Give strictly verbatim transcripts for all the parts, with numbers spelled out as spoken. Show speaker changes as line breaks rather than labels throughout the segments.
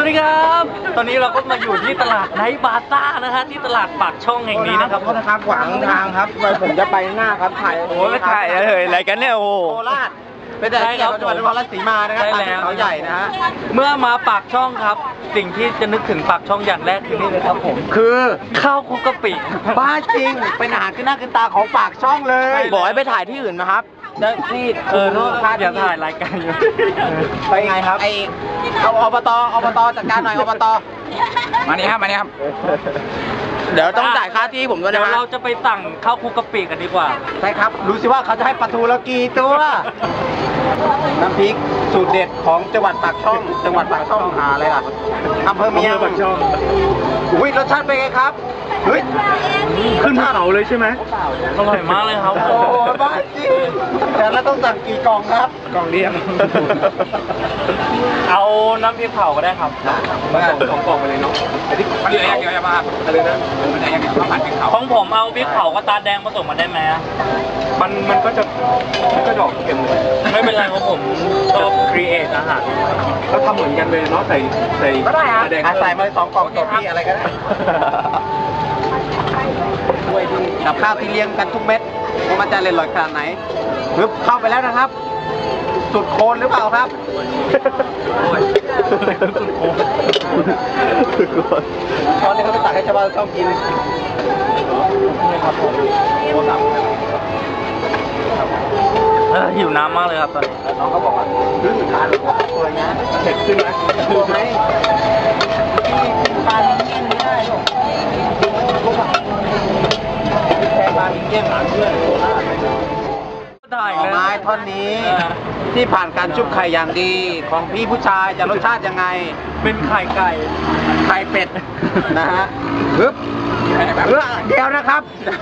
ดีครับ ตอนนี้เราก็มาอยู่ที่ตลาดไนท์บาซ่านะฮะที่ตลาดปากช่องแห่งนี้นะครับ
ขอโทษนะครับขวางทางครับผมจะไปหน้าครับถ่าย
โอ้ยถ่ายอะไรอะไรกันเนี่ยโอ้โห
โคราชเป็นแต่ที่จังหวัดนครราชสีมานะครับตามเขาใหญ่นะฮะ
เมื่อมาปากช่องครับ สิ่งที่จะนึกถึงปากช่องอย่างแรกคือนี่เลยครับผม
คือ
ข้าวคลุกกะปิ
บ้าจริงเป็นอาหารขึ้นหน้าขึ้นตาของปากช่องเลยบอกให้ไปถ่ายที่อื่นนะครับนี่
เออโน่นอย่าถ่ายรายการอยู่
ไปไงครับไอเอาอบตอบตจัดการหน่อยอบตมานี่ครับมานี่ครับเดี๋ยวต้องจ่ายค่าที่ผมด้วยนะ
เดี๋ยวเราจะไปสั่งข้าวคลุกกะปิกันดีกว่า
ใช่ครับรู้สิว่าเขาจะให้ปลาทูเรากี่ตัวน้ำพริกสูตรเด็ดของจังหวัดปากช่อง จังหวัดปากช่องหาอะไรล่ะอำเภอเมียงปากช่องอุ้ยรสชาติเป็นไงครับเฮ้ยขึ้นภูเขาเลยใช่ไหม
อร่อยมากเลยครับ
โอ้บ้าจริงแต่เราต้องสั่งกี่กล่องครับกล่องเดียว
เอาน้ำพริกเผาก็ได้ครับ
มาส่งสองกล่องไปเลยเนาะแต่ที่มันเหลืออย่างเดียวจะมาอะไรนะมันเหลืออย่างเดียวข้าวผัดพริกเผา
ของผมเอาพริกเผากับตาแดงผสมมาได้ไหม
มันมันก็จะมันก็ดอกเค็มเลย
ไม่เป็นไรครับผมชอบครีเอทอาหาร
เราทำเหมือนกันเลยเนาะใส่ใส่ก็ได้ครับใส่มาสองกล่องต่อพี่อะไรก็ได้กับข้าวที่เลี้ยงกันทุกเม็ดว่ามันจะอร่อยขนาดไหนปึ๊บเข้าไปแล้วนะครับ สุดโคนหรือเปล่าครับสุดโคนสุดโคนตอนนี้เขาไปตักให้ชาวบ้านชอบกินครับผม
เออหิวน้ำมากเลยครับตอนนี้
น้องเขาบอกว่าขึ้นทานสวยนะเผ็ดขึ้นไหมกลัวไหมที่ปลาลิ้นเงี้ยไม่ได้หรอกแค่ปลาลิ้นเงี้ยหาเพื่อนโคราช
ได้
หน่อ
เลย
ไม้ท่อนนี้ที่ผ่านการชุบไข่อย่างดีของพี่ผู้ชายจะรสชาติยังไง
เป็นไข่ไก่
ไข่เป็ดนะฮะปึ๊บเพื่อเดียวนะครับ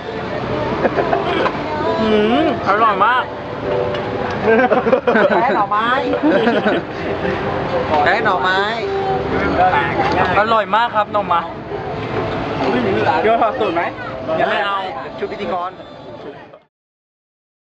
อืมอร่อยมาก
แค่หน่อไม้แค่หน่อไม้
อร่อยมากครับน้องมา
เดี๋ยวถอดสูตรไหม
อย่าไม่เอา
ชุดพิธีกร